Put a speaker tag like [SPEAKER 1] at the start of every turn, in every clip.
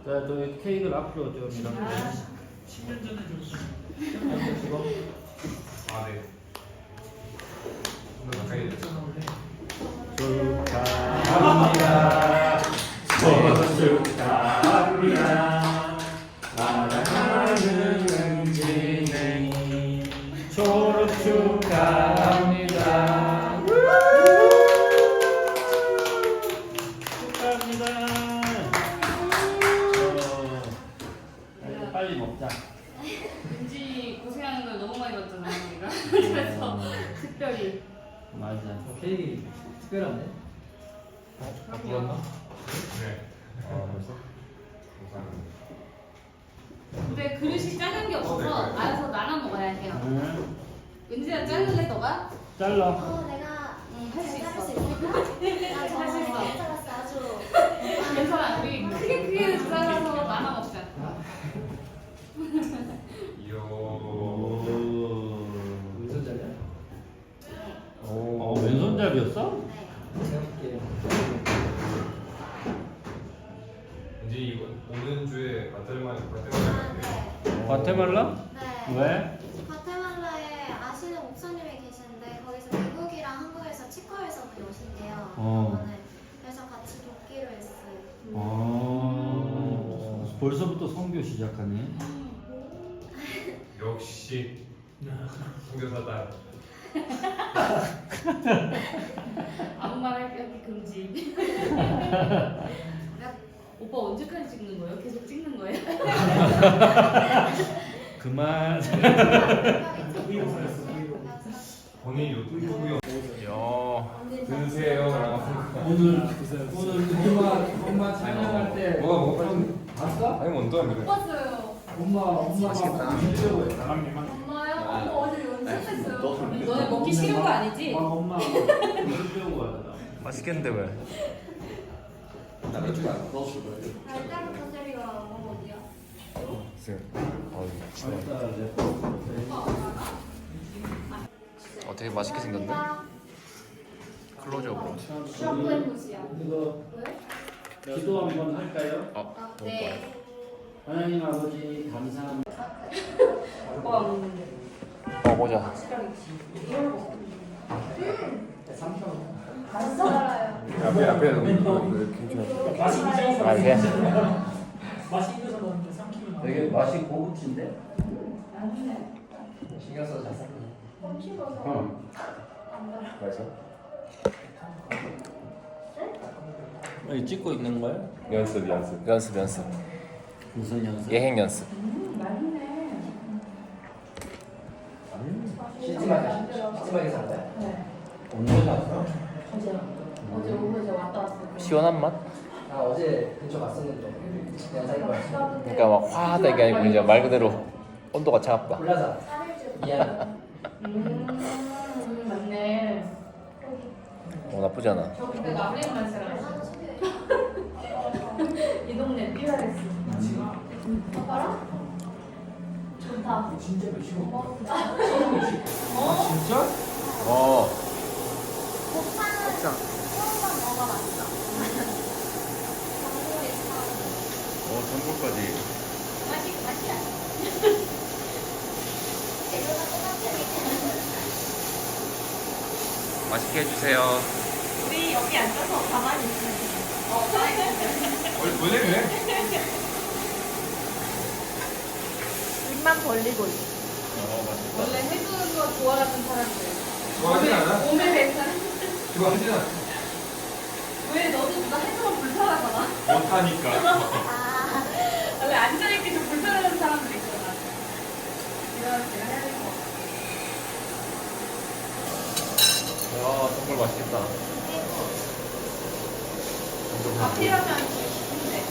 [SPEAKER 1] 자, 저 케이크를 앞으로 좀 이렇게.
[SPEAKER 2] 10년 전에 줬어.
[SPEAKER 3] 아, 네. 오늘 가까이 됐죠?
[SPEAKER 1] 축하합니다. 생일 축하합니다. 사랑하는 은진이 졸업 축하합니다. 축하합니다. 빨리 먹자.
[SPEAKER 4] 은지 고생하는 걸 너무 많이 봤잖아 우리가. 그래서 특별히.
[SPEAKER 1] 맞아.
[SPEAKER 5] 케이크 특별한데?
[SPEAKER 3] 아, 불렀나? 네. 아, 벌써? 감사합니다.
[SPEAKER 4] 근데 그릇이 작은 게 없어서 알아서 나눠 먹어야 해요.
[SPEAKER 1] 응.
[SPEAKER 4] 은지야 자를래 너가?
[SPEAKER 1] 잘라.
[SPEAKER 6] 내가
[SPEAKER 4] 할 수 있어.
[SPEAKER 6] 자를 수 있을까?
[SPEAKER 4] 할 수 있어.
[SPEAKER 6] 잘 잘랐어 아주.
[SPEAKER 4] 괜찮아. 우리 크게 잘라서 나눠 먹자.
[SPEAKER 3] 이요.
[SPEAKER 5] 왼손잡이야?
[SPEAKER 1] 오, 왼손잡이였어?
[SPEAKER 6] 네.
[SPEAKER 5] 제가 볼게요.
[SPEAKER 3] 이제 이거 오는 주에
[SPEAKER 6] 아,
[SPEAKER 3] 과테말라인데
[SPEAKER 6] 네.
[SPEAKER 1] 과테말라?
[SPEAKER 6] 네.
[SPEAKER 1] 왜?
[SPEAKER 6] 과테말라에 아시는 목사님이 계시는데 거기서 미국이랑 한국에서 치과에서 분이 오신대요.
[SPEAKER 1] 어.
[SPEAKER 6] 이번에. 그래서 같이 돕기로 했어요.
[SPEAKER 1] 벌써부터 선교 시작하네.
[SPEAKER 3] 역시 선교사다.
[SPEAKER 4] 아무 말 하기 금지. 오빠 언제까지 찍는 거예요? 계속 찍는 거예요?
[SPEAKER 1] 그만.
[SPEAKER 3] 본인 유튜브요. 드세요.
[SPEAKER 5] 오늘 엄마 찬양할 때
[SPEAKER 3] 뭐가
[SPEAKER 5] 봤어?
[SPEAKER 3] 아니 먼저
[SPEAKER 4] 못 봤어요.
[SPEAKER 5] 엄마
[SPEAKER 3] 맛있겠다.
[SPEAKER 5] 진짜로
[SPEAKER 4] 엄마요? 엄마 어제 연습했어요. 너네 먹기 싫은 거 아니지?
[SPEAKER 1] 엄마 배우고 가자.
[SPEAKER 3] 맛있겠는데 왜?
[SPEAKER 6] 달달한 컨셉이가 어디야?
[SPEAKER 7] 되게 맛있게 생겼네. 클로즈업으로.
[SPEAKER 6] 슈퍼엠무시야.
[SPEAKER 1] 이거
[SPEAKER 6] 왜?
[SPEAKER 1] 기도 한번 할까요?
[SPEAKER 6] 아, 네.
[SPEAKER 1] 하나님 아버지 감사합니다.
[SPEAKER 4] 오빠가 먹는데.
[SPEAKER 7] 보자.
[SPEAKER 6] 알아요.
[SPEAKER 3] 앞에
[SPEAKER 7] 아, 이게
[SPEAKER 2] 맛이 있어서 먹는데 삼키면
[SPEAKER 5] 되게 맛이 고급진데? 신경 써서 잘 샀네.
[SPEAKER 3] 맛있어?
[SPEAKER 1] 여기 찍고 있는 거야?
[SPEAKER 3] 연습.
[SPEAKER 7] 연습.
[SPEAKER 1] 무슨 연습?
[SPEAKER 7] 예행 연습.
[SPEAKER 5] 시집하게 산 거야?
[SPEAKER 1] 언제 갔어?
[SPEAKER 4] 어제 오후에 왔다 왔어.
[SPEAKER 7] 시원한 맛?
[SPEAKER 5] 나 어제 근처 갔었는데 그냥 사귄 거야.
[SPEAKER 7] 그러니까 막 화하다 이게 아니고 이제 말 그대로 온도가 차갑다.
[SPEAKER 5] 골라서 미안.
[SPEAKER 4] 맞네.
[SPEAKER 7] 나쁘지 않아.
[SPEAKER 4] 저 그때 나브레만 살았어. 이 동네 삐라랬어.
[SPEAKER 6] 봐라. 좋다.
[SPEAKER 5] 진짜 맛있어.
[SPEAKER 1] 진짜?
[SPEAKER 6] 곱창은 처음 먹어봤어.
[SPEAKER 7] 전골까지.
[SPEAKER 6] 맛이야. 재료가 똑같으니까.
[SPEAKER 7] 맛있게 해주세요.
[SPEAKER 6] 우리 여기 앉아서 가만히 있으면
[SPEAKER 3] 원래 그래?
[SPEAKER 6] 입만 벌리고 있어.
[SPEAKER 4] 원래 해주는 거 좋아하는 사람들.
[SPEAKER 3] 좋아하진 않아?
[SPEAKER 4] 몸에 뱉는
[SPEAKER 3] 좋아하진 않아.
[SPEAKER 4] 왜 너도 나 해주면 불편하잖아.
[SPEAKER 3] 못하니까.
[SPEAKER 6] 아,
[SPEAKER 4] 원래 앉아있기 좀 불편한 사람들 있잖아. 이런 제가 해야 될 것 같아.
[SPEAKER 7] 와, 정말 맛있겠다.
[SPEAKER 4] 밥이라면 좋은데.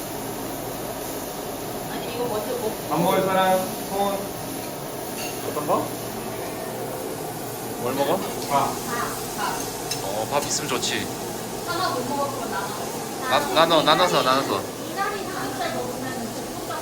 [SPEAKER 4] 아니 이거 먼저 먹고.
[SPEAKER 3] 밥 먹을 사람 손.
[SPEAKER 7] 어떤 거? 뭘 먹어?
[SPEAKER 3] 밥.
[SPEAKER 7] 밥 있으면 좋지.
[SPEAKER 4] 하나 못 먹었으면 나눠.
[SPEAKER 7] 나눠서.
[SPEAKER 6] 이날이 진짜 너무